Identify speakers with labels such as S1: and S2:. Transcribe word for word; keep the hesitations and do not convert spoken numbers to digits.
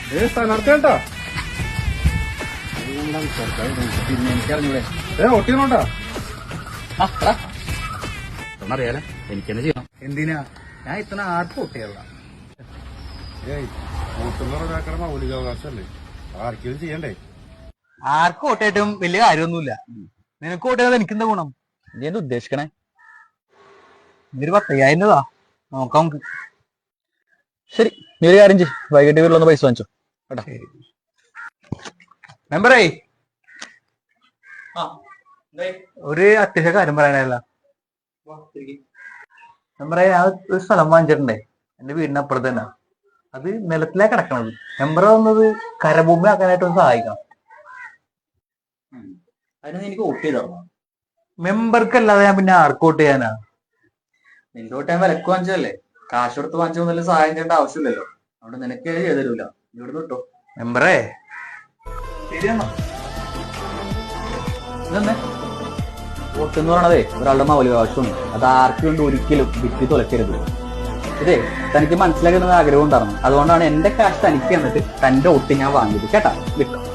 S1: ഏ സ്ഥാനാർത്ഥി കേട്ടാ
S2: പിന്നെ എനിക്കറിഞ്ഞൂടെ
S1: ഏ ഒട്ടിയോട്ടാ
S2: ഒന്നറിയാലോ എനിക്കെന്നെ ചെയ്യണം. എന്തിനാ ഞാൻ ഇത്ര ആർക്കും ഒട്ടിയല്ല.
S1: ഏയ് വോട്ടെന്ന് ഒരാക്കണ മൗലികാവകാശമല്ലേ, ആർക്കെങ്കിലും ചെയ്യണ്ടേ?
S2: ആർക്കും വോട്ടായിട്ടും വലിയ കാര്യമൊന്നുമില്ല. നിനക്ക് വോട്ട് എനിക്കെന്താ ഗുണം? നീ എന്താ ഉദ്ദേശിക്കണേ? ഇതൊരു പത്തയ്യായിരം രൂപ നോക്കാം നമുക്ക്. ശരി, നീ ഒരു കാര്യം ചെയ്യ്, വൈകിട്ട് വീട്ടിലൊന്ന് പൈസ വാങ്ങിച്ചോ കേട്ടോ. മെമ്പറേ, ഒരു അത്യാവശ്യ കാര്യം പറയാനല്ല. മെമ്പറെ, ഞാൻ ഒരു സ്ഥലം വാങ്ങിച്ചിട്ടുണ്ടേ എന്റെ വീടിന് അപ്പുറത്ത് തന്നെ. അത് നിലത്തിലാ കിടക്കണത്. മെമ്പർ വന്നത് കരഭൂമി ആക്കാനായിട്ട് ഒന്ന് സഹായിക്കണം. അതിന് എനിക്ക് വോട്ട് ചെയ്തോ? മെമ്പർക്കല്ലാതെ ഞാൻ പിന്നെ ആർക്ക് വോട്ട് ചെയ്യാനാ? നിന്റെ വോട്ട് ഞാൻ വിലക്ക് വാങ്ങിച്ചതല്ലേ, കാശ് കൊടുത്ത് വാങ്ങിച്ചൊന്നും സഹായം ചെയ്യേണ്ട ആവശ്യമില്ലല്ലോ. അതുകൊണ്ട് നിനക്ക് ചെയ്തു തരൂല, ഇവിടെ കിട്ടോ മെമ്പറേ. ശരിയെന്നാ ഇതെന്നെ വോട്ട് എന്ന് പറയണതേ ഒരാളുടെ മൗലികാവകാശമാണ്. അത് ആർക്ക് വേണ്ടി ഒരിക്കലും വിറ്റ് തുലക്കരുത്. ഇതേ തനിക്ക് മനസ്സിലാക്കുന്ന ആഗ്രഹം ഉണ്ടായിരുന്നു, അതുകൊണ്ടാണ് എന്റെ കാശ് തനിക്ക് എന്നിട്ട് തന്റെ വോട്ട് ഞാൻ വാങ്ങിയത് കേട്ടാ. വിട്ടോ.